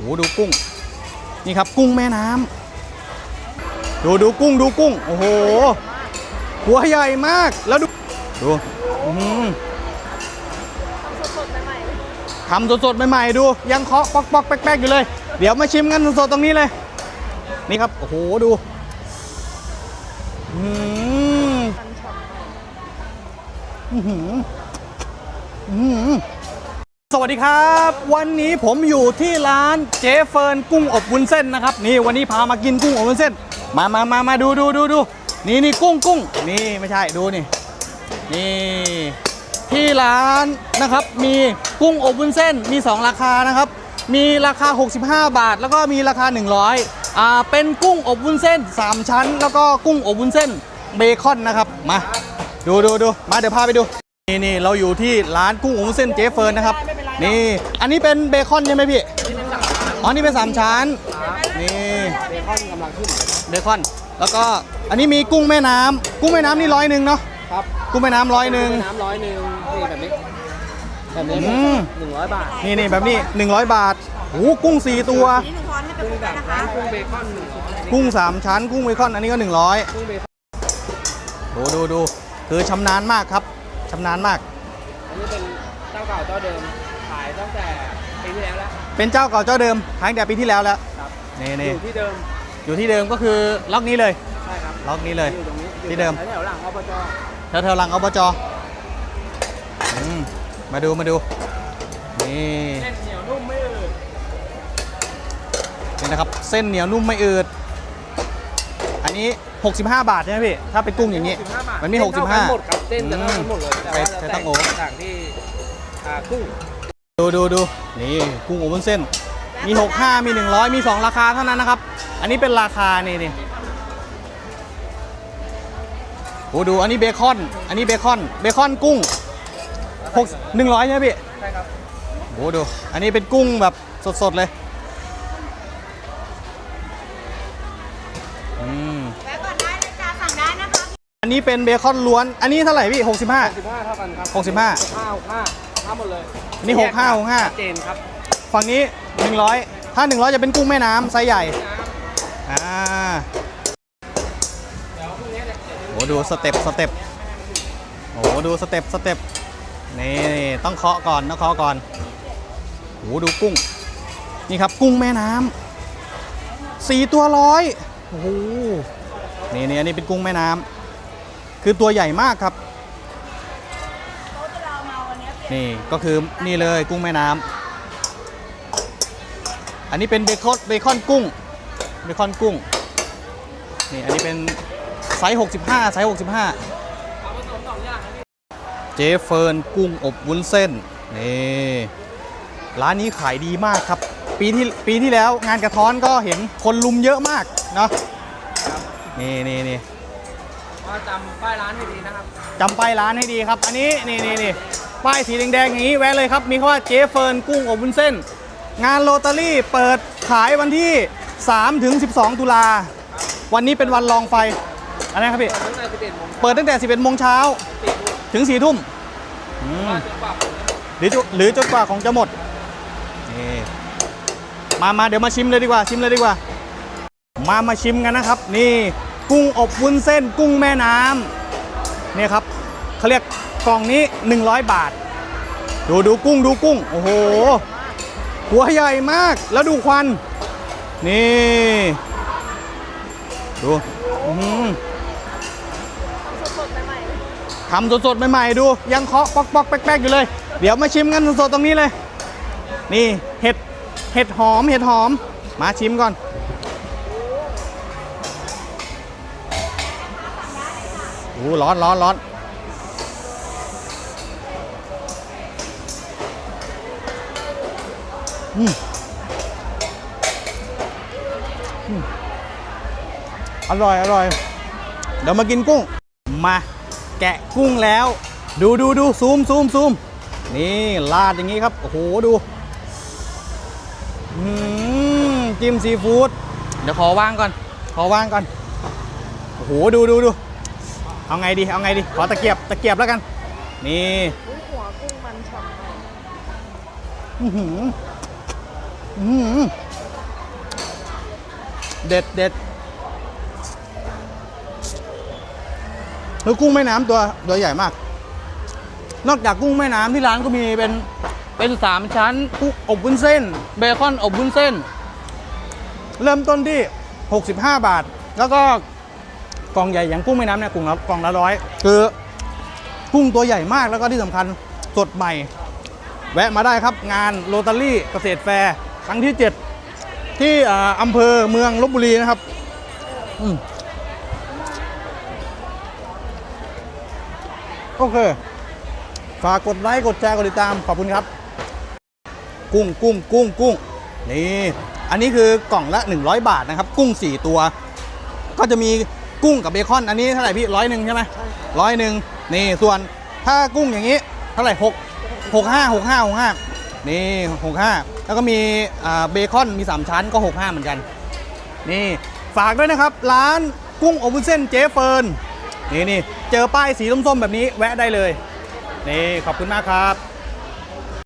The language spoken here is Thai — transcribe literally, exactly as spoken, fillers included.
โหดูกุ้งนี่ครับกุ้งแม่น้ำดูดูกุ้งดูกุ้งโอ้โหหัวใหญ่มากแล้วดูดูทำสดๆใหม่ๆดูยังเคาะปอกๆแป๊กๆอยู่เลยเดี๋ยวมาชิมกันสดๆตรงนี้เลยนี่ครับโอ้โหดูอืมสวัสดีครับวันนี้ผมอยู่ที่ร้านเจเฟิร์นกุ้งอบวุ้นเส้นนะครับนี่วันนี้พามากินกุ้งอบวุ้นเส้นมามามามาดูดูดูดูนี่นี่กุ้งกุ้งนี่ไม่ใช่ดูนี่นี่ที่ร้านนะครับมีกุ้งอบวุ้นเส้นมีสองราคานะครับมีราคาหกสิบห้าบาทแล้วก็มีราคาหนึ่งร้อยอ่าเป็นกุ้งอบวุ้นเส้นสามชั้นแล้วก็กุ้งอบวุ้นเส้นเบคอนนะครับมาดูดูดูมาเดี๋ยวพาไปดูนี่นี่เราอยู่ที่ร้านกุ้งอบวุ้นเส้นเจเฟิร์นนะครับนี่อันนี้เป็นเบคอนใช่ไหมพี่อ๋อนี่เป็นสามชั้นนี่เบคอนกำลังขึ้นเบคอนแล้วก็อันนี้มีกุ้งแม่น้ำกุ้งแม่น้ำนี่ร้อยหนึ่งเนาะครับกุ้งแม่น้ำร้อยหนึ่งน้ำร้อยหนึ่งนี่แบบนี้แบบนี้หนึ่งร้อยบาทนี่นี่แบบนี้หนึ่งร้อยบาทโอ้กุ้งสี่ตัวกุ้งแบบกุ้งเบคอนกุ้งสามชั้นกุ้งเบคอนอันนี้ก็หนึ่งร้อยดูดูดูคือชำนาญมากครับชำนาญมากอันนี้เป็นเจ้าเก่าเจ้าเดิมขายตั้งแต่ปีที่แล้วแล้วเป็นเจ้าเก่าเจ้าเดิมขายตั้งแต่ปีที่แล้วแล้วนี่นี่อยู่ที่เดิมอยู่ที่เดิมก็คือล็อกนี้เลยใช่ครับล็อกนี้เลยที่เดิมแถวหลังอบจแถวแถวหลังอบจมาดูมาดูนี่เส้นเหนียวนุ่มไม่อืดนี่นะครับเส้นเหนียวนุ่มไม่อืดอันนี้หกสิบห้าบาทใช่ไหมพี่ถ้าเป็นกุ้งอย่างนี้มันมีหกสิบห้าหมดครับเส้นจะเท่ากันหมดเลยแต่ว่าจะแตกต่างที่กุ้งดูดูดูนี่กุ้งอบวุ้นเส้นมีหกสิบห้ามีหนึ่งร้อยมีสองราคาเท่านั้นนะครับอันนี้เป็นราคานี่นี่โอ้ดูอันนี้เบคอนอันนี้เบคอนเบคอนกุ้งหกหนึ่งร้อยใช่ไหมพี่ใช่ครับโอ้ดูอันนี้เป็นกุ้งแบบสดๆเลยอืมแวะก่อนได้เลยจ้าสั่งได้นะคะอันนี้เป็นเบคอนล้วนอันนี้เท่าไหร่พี่หกสิบห้าหกสิบห้าเท่ากันครับหกสิบห้าหกสิบห้าหกสิบห้าทั้งหมดเลยอันนี้หกสิบห้า หกสิบห้าเจนครับฝั่งนี้หนึ่งร้อยถ้าหนึ่งร้อยจะเป็นกุ้งแม่น้ำไซส์ใหญ่อ่าโอ้ดูสเต็ปสเต็ปโอ้ดูสเต็ปสเต็ปนี่ต้องเคาะก่อนต้องเคาะก่อนโอ้ดูกุ้งนี่ครับกุ้งแม่น้ำสี่ตัวร้อยโอ้โหนี่นี่อันนี้เป็นกุ้งแม่น้ำคือตัวใหญ่มากครับนี่ก็คือนี่เลยกุ้งแม่น้ำอันนี้เป็นเบคอนเบคอนกุ้งเบคอนกุ้งนี่อันนี้เป็นไซส์หกสิบห้าไซส์หกสิบห้าเจเฟิร์นกุ้งอบวุ้นเส้นนี่ร้านนี้ขายดีมากครับปีที่ปีที่แล้วงานกระท้อนก็เห็นคนลุมเยอะมากเนาะนี่นี่นี่จำป้ายร้านให้ดีนะครับจำป้ายร้านให้ดีครับอันนี้นี่นี่นี่ป้ายสีแดงๆอย่างนี้แวะเลยครับมีคำว่าเจเฟิร์นกุ้งอบวุ้นเส้นงานโรตารี่เปิดขายวันที่สามถึงสิบสองตุลาวันนี้เป็นวันลองไฟอะไรครับพี่เปิดตั้งแต่สิบเอ็ดโมงเช้าถึงสี่ทุ่มหรือหรือจนกว่าของจะหมดนี่มามาเดี๋ยวมาชิมเลยดีกว่าชิมเลยดีกว่ามามาชิมกันนะครับนี่กุ้งอบวุ้นเส้นกุ้งแม่น้ำนี่ครับเขาเรียกกล่องนี้หนึ่งร้อยบาทดูดูกุ้งดูกุ้งโอ้โหหัวใหญ่มากแล้วดูควันนี่ดูทำสดๆใหม่ๆดูยังเคาะปอกๆแป๊กๆอยู่เลยเดี๋ยวมาชิมกันสดๆตรงนี้เลยนี่เห็ดเห็ดหอมเห็ดหอมมาชิมก่อนโอ้ร้อนร้อนร้อนอืมอร่อยอร่อยเดี๋ยวมากินกุ้งมาแกะกุ้งแล้วดูดูดูซูมซูมซูมนี่ลาดอย่างนี้ครับโอ้โหดูจิ้มซีฟู้ดเดี๋ยวขอวางก่อนขอวางก่อนโอ้โหดูดูดูเอาไงดีเอาไงดีขอตะเกียบตะเกียบแล้วกันนี่หัวกุ้งมันฉ่ำอือหืออือหือเด็ดเด็ดแล้วกุ้งแม่น้ำตัวตัวใหญ่มาก นอกจากกุ้งแม่น้ำที่ร้านก็มีเป็นเป็นสามชั้นกุ้งอบวุ้นเส้นเบคอนอบวุ้นเส้น เริ่มต้นที่หกสิบห้าบาท แล้วก็กล่องใหญ่อย่างกุ้งแม่น้ำเนี่ยกล่องละกล่องละร้อยคือกุ้งตัวใหญ่มากแล้วก็ที่สำคัญสดใหม่ แวะมาได้ครับงานโรตารี่เกษตรแฟร์ครั้งที่เจ็ดที่อ่าอำเภอเมืองลพบุรีนะครับอืมโอเคฝากกดไลค์กดแชร์กดติดตามขอบคุณครับ กุ้งกุ้งกุ้งกุ้งนี่อันนี้คือกล่องละหนึ่งร้อยบาทนะครับกุ้งสี่ตัว ก็จะมีกุ้งกับเบคอนอันนี้เท่าไหร่พี่ร้อยหนึ่งใช่ไหมร้อยหนึ่งนี่ส่วนถ้ากุ้งอย่างนี้เท่าไหร่หกหกห้าหกห้าหกห้านี่หกห้าแล้วก็มีอ่าเบคอนมีสามชั้นก็หกห้าเหมือนกันนี่ฝากด้วยนะครับร้านกุ้งอบวุ้นเส้นเจ๊เฟิร์นนี่นี่เจอป้ายสีส้มๆแบบนี้แวะได้เลยนี่ขอบคุณมากครับ